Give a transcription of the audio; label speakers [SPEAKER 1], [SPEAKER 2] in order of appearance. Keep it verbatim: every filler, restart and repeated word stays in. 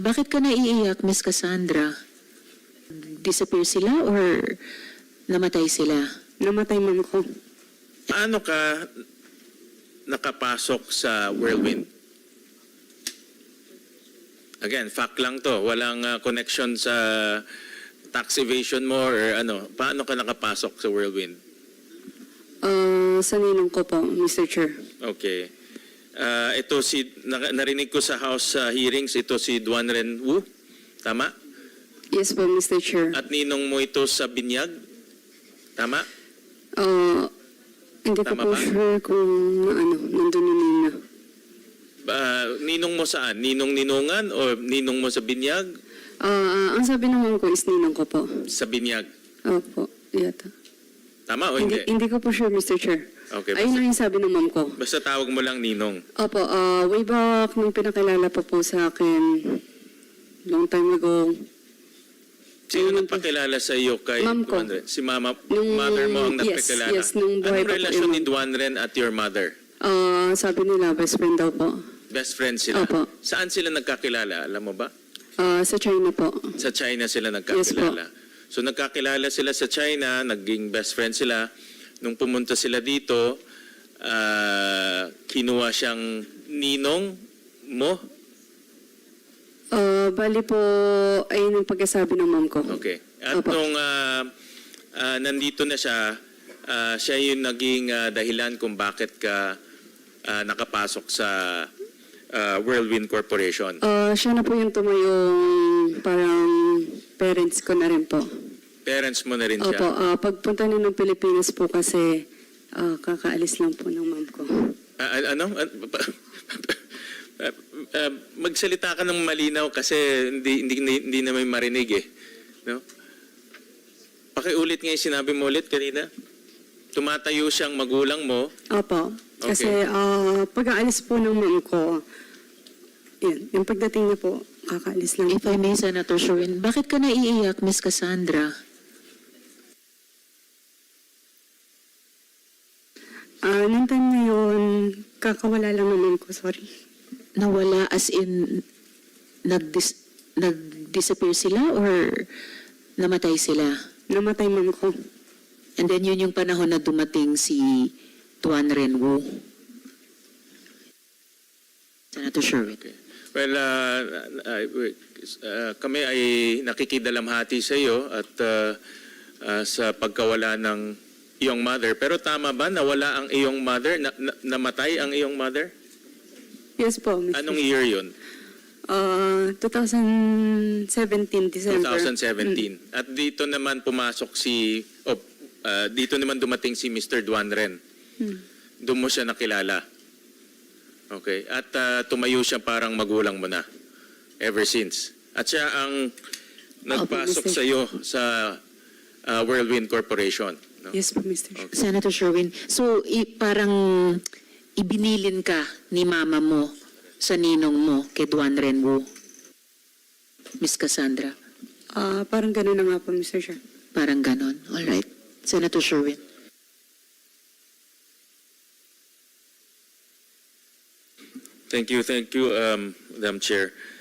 [SPEAKER 1] Bakit ka naiiyak, Miss Cassandra? Disappear sila or namatay sila?
[SPEAKER 2] Namatay ma'am ko.
[SPEAKER 3] Paano ka nakapasok sa Whirlwind? Again, fact lang to. Walang uh, connection sa tax evasion mo or ano. Paano ka nakapasok sa Whirlwind?
[SPEAKER 2] Ah, sa ninong ko po, Mister Chair.
[SPEAKER 3] Okay. Uh, ito si, na, narinig ko sa House uh, hearings, ito si Duan Ren Wu. Tama?
[SPEAKER 2] Yes po, Mister Chair.
[SPEAKER 3] At ninong mo ito sa Binyag? Tama?
[SPEAKER 2] Ah, hindi ko
[SPEAKER 3] Tama
[SPEAKER 2] po
[SPEAKER 3] ba?
[SPEAKER 2] sure kung ano, nandun yung nina.
[SPEAKER 3] Uh, ninong mo saan? Ninong ninungan o ninong mo sa Binyag?
[SPEAKER 2] Ah, ang sabi ng mom ko is ninong ko po.
[SPEAKER 3] Sa Binyag.
[SPEAKER 2] Opo, yata.
[SPEAKER 3] Tama o
[SPEAKER 2] Hindi,
[SPEAKER 3] hindi?
[SPEAKER 2] hindi ko po sure, Mister Chair.
[SPEAKER 3] Okay,
[SPEAKER 2] Ayun
[SPEAKER 3] basta,
[SPEAKER 2] lang yung sabi ng mom ko.
[SPEAKER 3] basta tawag mo lang ninong.
[SPEAKER 2] Opo, ah, way back nung pinakilala pa po sa akin, long time ago.
[SPEAKER 3] Sino
[SPEAKER 2] Ayun
[SPEAKER 3] nagpakilala sa iyo kay
[SPEAKER 2] Ma'am ko.
[SPEAKER 3] Duan Ren? Si mama,
[SPEAKER 2] Nung-
[SPEAKER 3] mother mo ang
[SPEAKER 2] yes,
[SPEAKER 3] nagpakilala?
[SPEAKER 2] yes, nung buhay
[SPEAKER 3] Anong
[SPEAKER 2] pa po
[SPEAKER 3] relasyon
[SPEAKER 2] yung
[SPEAKER 3] ni
[SPEAKER 2] ma'am.
[SPEAKER 3] Duan Ren at your mother?
[SPEAKER 2] Ah, sabi nila, best friend daw po.
[SPEAKER 3] Best friends sila?
[SPEAKER 2] Opo.
[SPEAKER 3] Saan sila nagkakilala? Alam mo ba?
[SPEAKER 2] Ah, sa China po.
[SPEAKER 3] Sa China sila nagkakilala. So nagkakilala sila sa China, naging best friend sila. Nung pumunta sila dito, ah, kinuha siyang ninong mo?
[SPEAKER 2] Ah, bali po, ayun yung pagkasabi ng mom ko.
[SPEAKER 3] Okay. At
[SPEAKER 2] Opo.
[SPEAKER 3] nung ah, ah, nandito na siya, ah, siya yung naging ah, dahilan kung bakit ka ah, nakapasok sa ah, Whirlwind Corporation.
[SPEAKER 2] Ah, siya na po yung tumayong parang parents ko na rin po.
[SPEAKER 3] Parents mo na rin siya.
[SPEAKER 2] Opo, ah, pagpunta niyo ng Pilipinas po kasi ah, kakaalis lang po ng mom ko.
[SPEAKER 3] Ah, ah, ano? Ah, ah, ah, magsalita ka ng malinaw kasi hindi hindi hindi, hindi na may marinig eh. No? Pakiulit nga yung sinabi mo ulit kanina. Tumatayo siyang magulang mo.
[SPEAKER 2] Opo, kasi
[SPEAKER 3] Okay.
[SPEAKER 2] ah, pag-aalis po ng mom ko, yan, yung pagdating niya po, kakaalis lang.
[SPEAKER 1] If I may, Senator Sherwin, bakit ka naiiyak, Miss Cassandra?
[SPEAKER 2] Ah, nung time na yun, kakawala lang ng mom ko, sorry.
[SPEAKER 1] Nawala as in nag-dis- nag-disappear sila or namatay sila?
[SPEAKER 2] Namatay mom ko.
[SPEAKER 1] And then yun yung panahon na dumating si Duan Ren Wu. Senator Sherwin.
[SPEAKER 3] Okay. Well, uh, uh, uh, kami ay nakikidalamhati sa iyo at uh, uh, sa pagkawala ng iyong mother. Pero tama ba nawala ang iyong mother? Na, na, namatay ang iyong mother?
[SPEAKER 2] Yes po, Mister
[SPEAKER 3] Anong year yun?
[SPEAKER 2] Ah, twenty seventeen, December.
[SPEAKER 3] twenty seventeen.
[SPEAKER 2] Mm.
[SPEAKER 3] At dito naman pumasok si, oh, uh, dito naman dumating si Mister Duan Ren.
[SPEAKER 2] Hmm.
[SPEAKER 3] Doon mo siya nakilala. Okay. At uh, tumayo siya parang magulang mo na. Ever since. At siya ang nagpasok
[SPEAKER 2] Mister
[SPEAKER 3] sa iyo sa uh, Whirlwind Corporation. No?
[SPEAKER 2] Yes po, Mister
[SPEAKER 3] Okay.
[SPEAKER 1] Senator Sherwin, so i- parang ibinilin ka ni mama mo sa ninong mo kay Duan Ren Wu, Miss Cassandra.
[SPEAKER 2] Ah, parang gano'n na nga po, Mister Chair.
[SPEAKER 1] Parang ganon. All right. Senator Sherwin.
[SPEAKER 3] Thank you, thank you, um, Madam Chair.